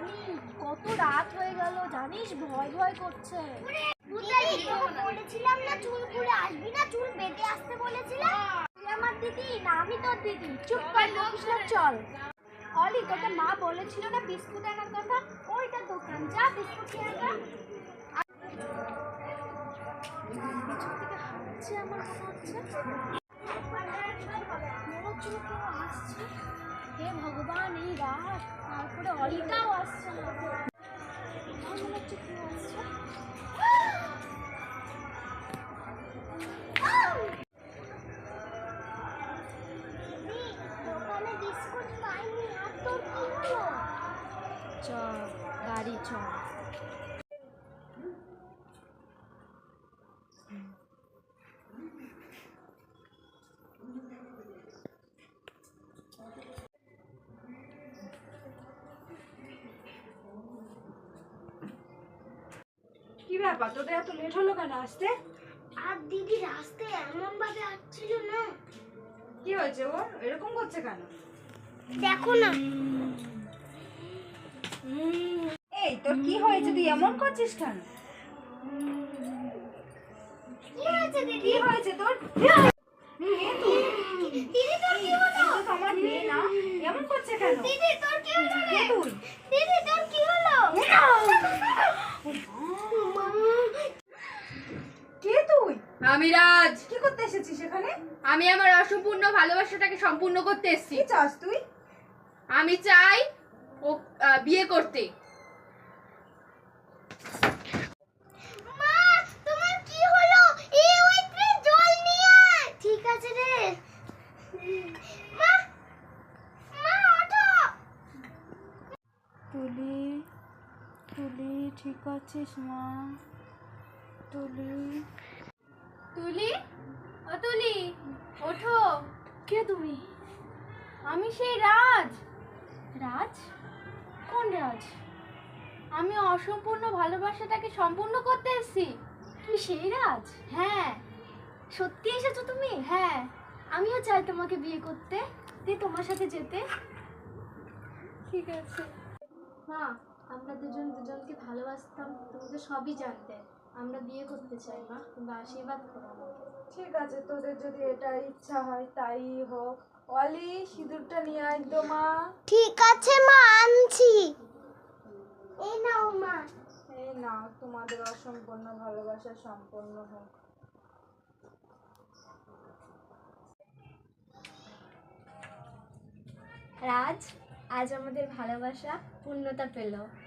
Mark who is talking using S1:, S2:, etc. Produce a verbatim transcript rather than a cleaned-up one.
S1: কত রাত হয়ে গেল জানিস, ভয় ভয় করছে। বলেছিলাম না চুল খুলে আসবি না, চুল বেঁধে আসতে বলেছিলাম। তুই আমার দিদি না আমি তোর দিদি, চুপ কর বকিস না, চল। অলি তোকে মা বলেছিল না বিস্কুট আনার কথা, ওইটা দোকান, যা বিস্কুট নিয়ে আয়। পিছন থেকে হাঁটছে আমার মনে হচ্ছে, মনে হচ্ছিল কেউ আসছে। হে ভগবান, এই রাত, তারপরে অলিটাও আসছে না, মনে হচ্ছে কেউ আসছে। দোকানে বিস্কুট পাইনি, আর তোর কি হলো? চ বাড়ি চ।
S2: কি ব্যাপার, তোদের এত লেট হলো কেন আসতে?
S1: আর দিদি রাস্তায় এমন ভাবে আসছিল না।
S2: কি হয়েছে ওর, এরকম করছে কেন?
S1: দেখো না।
S2: এই তোর কি হয়েছে, তুই এমন করছিস কেন?
S1: কি হয়েছে দিদি?
S2: কি হয়েছে তোর?
S1: দিদি তোর কি হলো?
S2: তো আমার মেয়ে না, এমন করছে কেন?
S1: দিদি তোর কি হলো রে?
S2: তুই
S1: দিদি তোর কি হলো?
S2: কে তুই?
S3: আমি রাজ।
S2: কি করতে এসেছিস এখানে?
S3: আমি আমার অসম্পূর্ণ ভালোবাসাটাকে সম্পূর্ণ করতে এসেছি।
S2: কি চাস তুই?
S3: আমি চাই ও আহ, বিয়ে করতে।
S1: মা তোমার কি হলো? এই ওইতে জল নিয়ে আয়। ঠিক আছে রে। মা মা ওঠো।
S2: তুলি, তুলি ঠিক আছিস মা? তুলি,
S3: তুলি, ও তুলি, ওঠো।
S1: কে তুমি?
S3: আমি সেই রাজ।
S1: রাজ? কোন রাজ?
S3: আমি অসম্পূর্ণ ভালোবাসাটাকে সম্পূর্ণ করতে এসেছি।
S1: তুমি সেই রাজ?
S3: হ্যাঁ
S1: সত্যি এসেছো তুমি?
S3: হ্যাঁ।
S1: আমিও চাই তোমাকে বিয়ে করতে, দিয়ে তোমার সাথে যেতে।
S3: ঠিক আছে।
S1: মা, আমরা দুজন দুজনকে ভালোবাসতাম, তুমি তো সবই জানতে। আমরা বিয়ে করতে চাই মা, তুমি আশীর্বাদ করো আমাকে।
S2: ঠিক আছে, তোদের যদি এটা ইচ্ছা হয় তাই হোক। অলি, সিঁদুরটা নিয়ে আয় তো মা।
S1: ঠিক আছে মা, আনছি। এই নাও মা।
S2: এই নাও, তোমাদের অসম্পূর্ণ ভালোবাসা সম্পূর্ণ হোক।
S1: রাজ, আজ আমাদের ভালোবাসা পূর্ণতা পেল।